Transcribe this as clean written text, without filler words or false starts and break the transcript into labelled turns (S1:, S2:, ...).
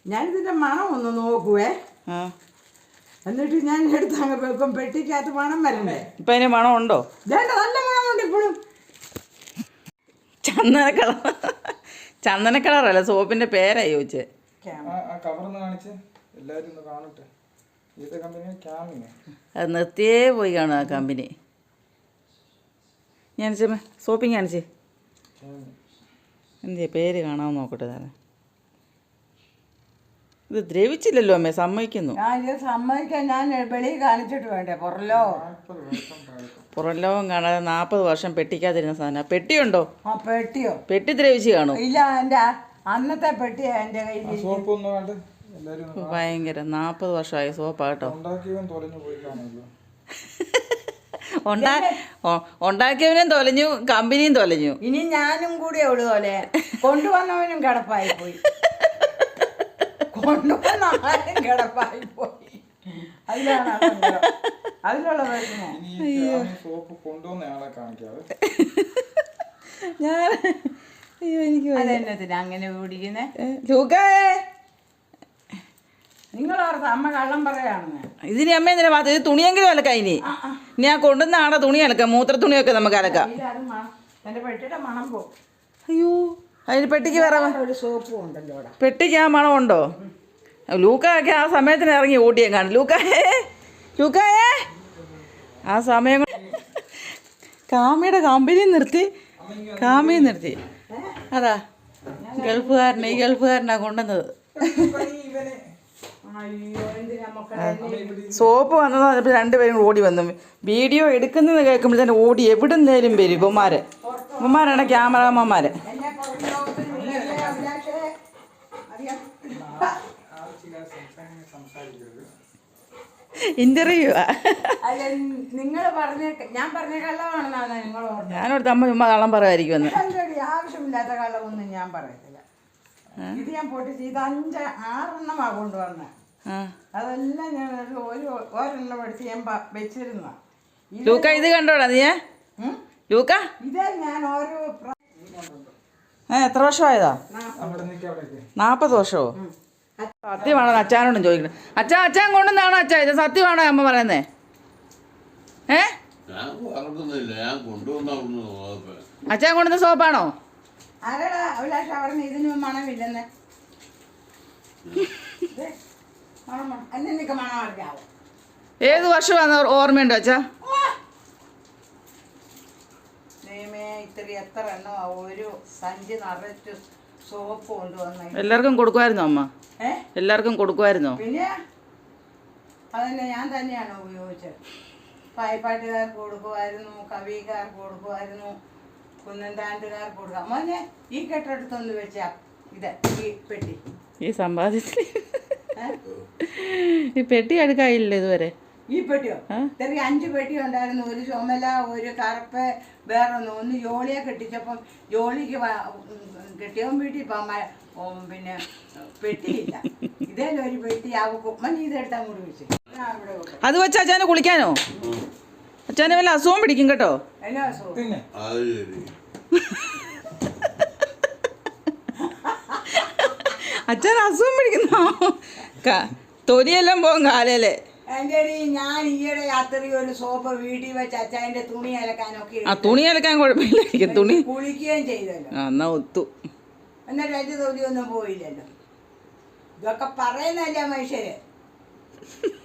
S1: ഞാനിതിൻ്റെ മണം ഒന്ന് നോക്കുവേ. എന്നിട്ട് ഞാൻ എടുത്ത് അങ്ങ് വെക്കും. പെട്ടിക്കകത്ത് മണം വരണ്ടേ?
S2: ഇപ്പം അതിന് മണം ഉണ്ടോ?
S1: വേണ്ട, നല്ല മണമുണ്ട് ഇപ്പോഴും.
S2: ചന്ദന കളർ. ചന്ദന കളറല്ല, സോപ്പിന്റെ പേരാ ചോദിച്ചേ. അത് നിർത്തിയേ പോയി കാണും ആ കമ്പനി. ഞാൻ സോപ്പിങ് കാണിച്ചേ. എന്തിയാ പേര് കാണാമെന്ന് നോക്കട്ടെ. താനെ ഇത് ദ്രവിച്ചില്ലല്ലോ അമ്മേ, സമ്മതിക്കുന്നു.
S1: ഇത് സമ്മതിക്കാൻ ഞാൻ വെളിയിൽ കാണിച്ചിട്ട് വേണ്ടേ?
S2: പുറം ലോകം കാണാതെ 40 വർഷം പെട്ടിക്കാതിരുന്ന സാധനം. പെട്ടിയുണ്ടോ?
S1: പെട്ടിയോ?
S2: പെട്ടി ദ്രവിച്ച് കാണും.
S1: ഇല്ല, എൻ്റെ അന്നത്തെ പെട്ടിയാ എൻ്റെ കയ്യിൽ.
S2: ഭയങ്കര 40 വർഷമായ സോപ്പാ കേട്ടോ. ഉണ്ടാക്കിയവനും തൊലഞ്ഞു, കമ്പനിയും തൊലഞ്ഞു.
S1: ഇനി ഞാനും കൂടിയേ ഉള്ളു പോലെ. കൊണ്ടുവന്നവനും കിടപ്പായി പോയി. കൊണ്ടുവന്ന ആരും കിടപ്പായി പോയി. അതിലുള്ള
S2: ഞാൻ എനിക്ക്
S1: അതെന്നത്തിന് അങ്ങനെ കുടിക്കുന്നേ? നിങ്ങളോർത്ത് അമ്മ കള്ളം പറയാണെന്ന്.
S2: ഇതിന് അമ്മ എന്തിനാ ഭാഗത്ത്? ഇത് തുണിയെങ്കിലും അലക്കാം. ഇനി ഞാൻ കൊണ്ടുവന്ന ആടെ തുണി അലക്കാം. മൂത്ര തുണിയൊക്കെ നമുക്ക് അലക്കാം.
S1: എന്റെ പെട്ടിയുടെ മണം പോകും.
S2: അയ്യോ, അതിന് പെട്ടിക്ക് വേറെ
S1: ഒരു സോപ്പും ഉണ്ടല്ലോ.
S2: പെട്ടിക്ക് ആ മണം ഉണ്ടോ? ലൂക്കായൊക്കെ ആ സമയത്തിന് ഇറങ്ങി ഓടിയാൻ കാണും. ലൂക്കായേ ആ സമയം കാമിയുടെ കമ്പനി നിർത്തി. അതാ ഗൾഫുകാരനെ, ഈ ഗൾഫുകാരനാ കൊണ്ടുവന്നത്. സോപ്പ് വന്നതോ അതിപ്പോൾ രണ്ടുപേരും ഓടി വന്നു. വീഡിയോ എടുക്കുന്നത് കേൾക്കുമ്പോൾ തന്നെ ഓടി എവിടുന്നേലും വരും. ഇവന്മാരാണ് ക്യാമറാമാന്മാര്. ഇന്റർവ്യൂ ഞാനോടത്ത് അമ്മ ചുമ്മാ കള്ളം പറയുമായിരിക്കുമെന്ന്.
S1: ആവശ്യമില്ലാത്ത കള്ളമൊന്നും ഞാൻ പറയത്തില്ല. ഇത് ഞാൻ പൊട്ടിച്ച് ഇത് 5-6 കൊണ്ടുവന്ന. അതെല്ലാം ഞാൻ ഒരെണ്ണം എടുത്ത് ഞാൻ വെച്ചിരുന്ന.
S2: ലൂക്ക ഇത് കണ്ടോടാ നീ? ലൂക്ക
S1: ഇതേ ഞാൻ ഓരോ
S2: എത്ര വർഷമായതാ? 40 വർഷമോ? സത്യമാണോ? അച്ഛനോടും ചോദിക്കണം. അച്ഛൻ കൊണ്ടുവന്നാണോ അച്ഛാ ഇത്? സത്യമാണോ അമ്മ പറയുന്നേ? അച്ഛൻ കൊണ്ടുവന്ന സോപ്പാണോ?
S1: ആരാടാ അഭിലാഷ് അവിടെ ഇതിന് മണമില്ലെന്ന്?
S2: ഏത് വർഷമാണ് ഓർമ്മയുണ്ടോ അച്ഛാ?
S1: എത്ര എണ്ണോ ഒരു സഞ്ചി നിറച്ച് സോപ്പ് കൊണ്ടുവന്ന.
S2: എല്ലാവർക്കും കൊടുക്കുമായിരുന്നോ അമ്മ? എല്ലാവർക്കും കൊടുക്കുമായിരുന്നോ?
S1: പിന്നെ അതന്നെ ഞാൻ തന്നെയാണ് ഉപയോഗിച്ചത്. പായ്പാട്ടുകാർക്ക് കൊടുക്കുമായിരുന്നു, കവിക്കാർക്ക് കൊടുക്കുമായിരുന്നു, കുന്നന്താണ്ടുകാർക്ക് കൊടുക്കാം. മോനെ ഈ കെട്ടെടുത്തൊന്ന് വെച്ചാ ഇത് ഈ പെട്ടി.
S2: ഈ സമ്പാദ്യത്തിൽ ഈ പെട്ടി എടുക്കായില്ല ഇതുവരെ.
S1: ഈ പെട്ടിയോ? ചെറിയ 5 പെട്ടി ഉണ്ടായിരുന്നു. ഒരു ചുമല, ഒരു കറുപ്പ്, വേറൊന്ന് ജോളിയെ കെട്ടിച്ചപ്പം ജോളിക്ക് കെട്ടിയവൻ വീട്ടിൽ പിന്നെ പെട്ടിയില്ല. ഇതേലും ഒരു പെട്ടി ആവും. ഇതെടുത്താൽ കൂടി വെച്ച്
S2: അത് വെച്ച് അച്ഛനെ കുളിക്കാനോ? അച്ഛനെ വല്ല അസുഖം പിടിക്കും കേട്ടോ.
S1: എല്ലാ അസുഖം
S2: അച്ഛൻ അസുഖം പിടിക്കുന്നോ? തൊലിയെല്ലാം പോകും കാലയില്.
S1: എന്റെ ഞാൻ ഈയിടെ രാത്രി ഒരു സോപ്പ് വീട്ടിൽ വെച്ച് അച്ഛൻ്റെ തുണി അലക്കാനൊക്കെ.
S2: തുണി അലക്കാൻ കുഴപ്പമില്ലായിരിക്കും. തുണി
S1: കുളിക്കുകയും ചെയ്തല്ലോ.
S2: എന്നാ ഒത്തു.
S1: എന്നിട്ട് 5 തൊലിയൊന്നും പോയില്ലല്ലോ. ഇതൊക്കെ പറയുന്നല്ലേ മനുഷ്യര്.